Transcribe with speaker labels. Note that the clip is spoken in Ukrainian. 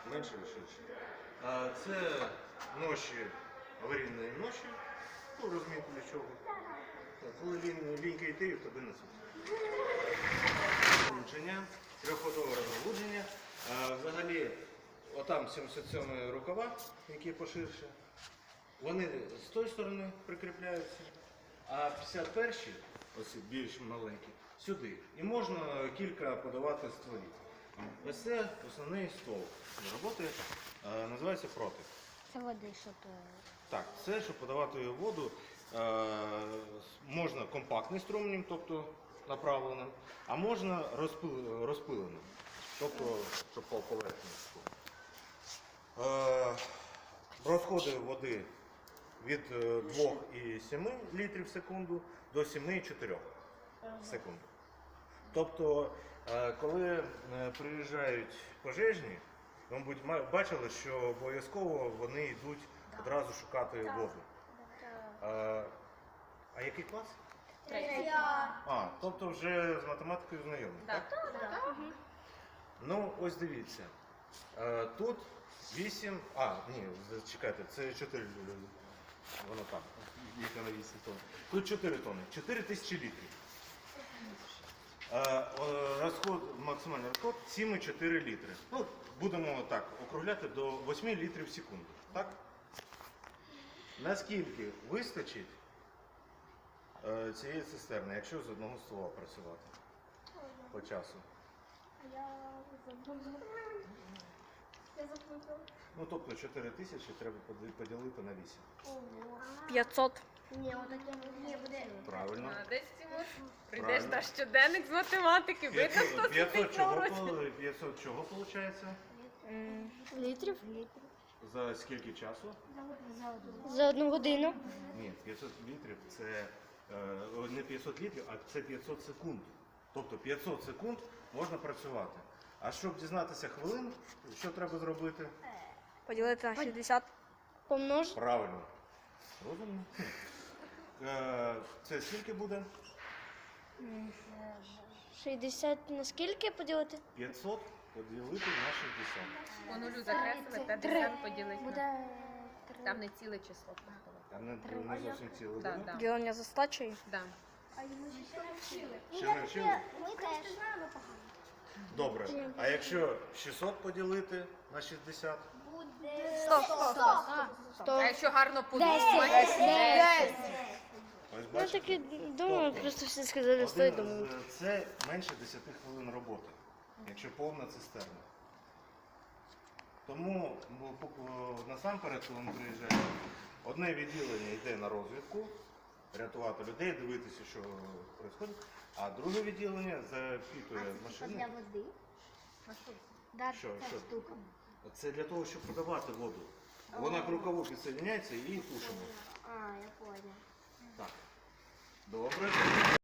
Speaker 1: менше і ширше. Це ноші, аварійні ноші, ну, розумієте для чого. Коли лінька йти, в тобі несуть. Розгалудження, трьохходове розгалудження. Взагалі, отам 77 рукава, які поширше, вони з тої сторони прикріпляються, а 51-ті, ось більш маленькі, сюди. І можна кілька подавати стволів. Ось це основний стол роботи, називається протик.
Speaker 2: Це води, щоб...
Speaker 1: Так, це, щоб подавати воду, можна компактним струмнем, тобто направленим, а можна розпиленим, тобто, щоб по поверхні. Розходи води від 2,7 літрів в секунду до 7,4 в секунду. Тобто, коли приїжджають пожежні, ви, мабуть, бачили, що обов'язково вони йдуть одразу шукати воду. А який клас?
Speaker 2: Третій.
Speaker 1: Тобто вже з математикою знайомі, так?
Speaker 2: Так.
Speaker 1: Ну, ось дивіться. Тут 8, ні, чекайте, це 4, воно там, їхня на 8 тонн. Тут 4 тонни, 4 тисячі літрів. Максимальний розход 7,4 літри. Ну, будемо так округляти до 8 літрів в секунду. Так? Наскільки вистачить цієї цистерни, якщо з одного ствола працювати по часу?
Speaker 2: Я забула.
Speaker 1: Ну, тобто 4 тисячі треба поділити на 8.
Speaker 3: 500.
Speaker 2: Ні, отаке не буде.
Speaker 1: Правильно.
Speaker 4: Молодець, Тимур. Прийдеш
Speaker 1: Правильно.
Speaker 4: на щоденник з математики, видно, хто
Speaker 1: 500
Speaker 4: сидить на
Speaker 1: чого,
Speaker 4: уроці.
Speaker 1: 500 чого виходить?
Speaker 3: Літрів?
Speaker 1: За скільки часу?
Speaker 3: За 1 годину.
Speaker 1: Ні, 500 літрів це не 500 літрів, а це 500 секунд. Тобто 500 секунд можна працювати. А щоб дізнатися хвилин, що треба зробити?
Speaker 3: Поділити на 60. Помнож.
Speaker 1: Правильно. Розумно. Це скільки буде?
Speaker 3: 60 на скільки поділити?
Speaker 1: 500 поділити на 60.
Speaker 4: По нулю закреслили, 50 поділити.
Speaker 2: Буде...
Speaker 4: Там не ціле число. просто.
Speaker 1: Там не зовсім ціле
Speaker 4: Да,
Speaker 1: буде.
Speaker 4: да.
Speaker 3: Ділення за стачею.
Speaker 4: Да.
Speaker 1: Ще не вчили?
Speaker 2: Ми теж.
Speaker 1: Добре. А якщо 600 поділити на 60?
Speaker 2: Буде...
Speaker 3: 100.
Speaker 4: А якщо гарно
Speaker 3: 10.
Speaker 4: подумати, 10.
Speaker 1: Ось
Speaker 3: Я
Speaker 1: бачите?
Speaker 3: так і думаю,
Speaker 1: Тобто,
Speaker 3: просто всі сказали 100 і думаю.
Speaker 1: Це менше 10 хвилин роботи, якщо повна цистерна. Тому насамперед, коли ми приїжджаємо, одне відділення йде на розвідку, рятувати людей, дивитися, що відбувається, а друге відділення запитує машини.
Speaker 2: Для води? Да,
Speaker 1: Що,
Speaker 2: ця
Speaker 1: що?
Speaker 2: штука.
Speaker 1: Це для того, щоб подавати воду. Вона к рукаву підсоединяється і тушимо.
Speaker 2: Я поняла.
Speaker 1: Так. Добре.